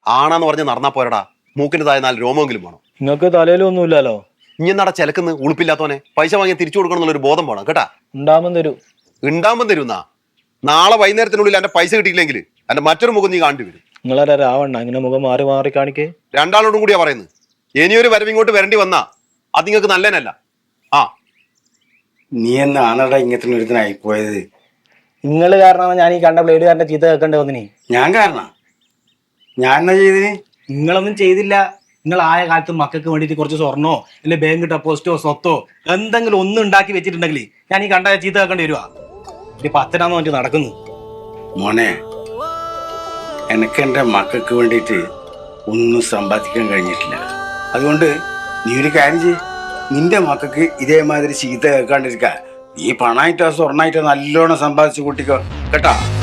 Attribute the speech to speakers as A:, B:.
A: ആണാന്ന് പറഞ്ഞ് നടന്നാ പോരടാ. മൂക്കിന് താഴെ 4 രോമെങ്കിലും വേണം.
B: നിങ്ങൾക്ക് തലയിലൊന്നുമില്ലല്ലോ.
A: ഇനി എന്നാടാ ചിലക്കുന്ന് ഉളുപ്പില്ലാത്തവനെ പൈസ വാങ്ങി തിരിച്ചു കൊടുക്കണം എന്നുള്ളൊരു ബോധം വേണം കേട്ടാ.
B: ഉണ്ടാകുമ്പോൾ തരൂ.
A: ഉണ്ടാകുമ്പോൾ തരുന്നാ. നാളെ വൈകുന്നേരത്തിനുള്ളിൽ എന്റെ പൈസ കിട്ടിയില്ലെങ്കിൽ എന്റെ മറ്റൊരു മുഖം നീ കാണേണ്ടി വരും.
B: നിങ്ങളാരാ രാവണ്ണ ഇങ്ങനെ മുഖം മാറി മാറി കാണിക്കേ?
A: രണ്ടാളോടും കൂടിയാ പറയുന്നത്. ഇനിയൊരു വരവിങ്ങോട്ട് വരേണ്ടി വന്നാ അത് നിങ്ങൾക്ക് നല്ലതിനല്ല. ആ
C: നീ എന്നാണടാ ഇങ്ങനത്തെ ഒരുത്തനായി പോയത്?
B: നിങ്ങൾ കാരണമാണ് ഞാൻ ഈ കണ്ട ബ്ലേഡുകാരന്റെ ചീത്ത കേൾക്കേണ്ടി വന്നിനി.
C: ഞാൻ കാരണ? ഞാൻ എന്നാ ചെയ്തിന്?
B: നിങ്ങളൊന്നും ചെയ്തില്ല. നിങ്ങൾ ആയ കാലത്ത് മക്കൾക്ക് വേണ്ടിയിട്ട് കുറച്ച് സ്വർണ്ണോ അല്ലെ ബാങ്ക് ഡെപ്പോസിറ്റോ സ്വത്തോ എന്തെങ്കിലും ഒന്നും ഉണ്ടാക്കി വെച്ചിട്ടുണ്ടെങ്കിൽ ഞാൻ ഈ കണ്ട ചീത്ത കേൾക്കേണ്ടി വരുവാ. ഇപ്പൊ അച്ഛനാന്ന് പറഞ്ഞിട്ട് നടക്കുന്നു.
C: മോനെ, എനിക്ക് എൻ്റെ മക്കൾക്ക് വേണ്ടിയിട്ട് ഒന്നും സമ്പാദിക്കാൻ കഴിഞ്ഞിട്ടില്ല. അതുകൊണ്ട് നീ ഒരു കാര്യം ചെയ്യ്, നിന്റെ മക്കൾക്ക് ഇതേമാതിരി ചീത്ത കേൾക്കാണ്ടിരിക്കുക. നീ പണമായിട്ടോ സ്വർണ്ണമായിട്ടോ നല്ലോണം സമ്പാദിച്ചു കൂട്ടിക്കോ കേട്ടാ.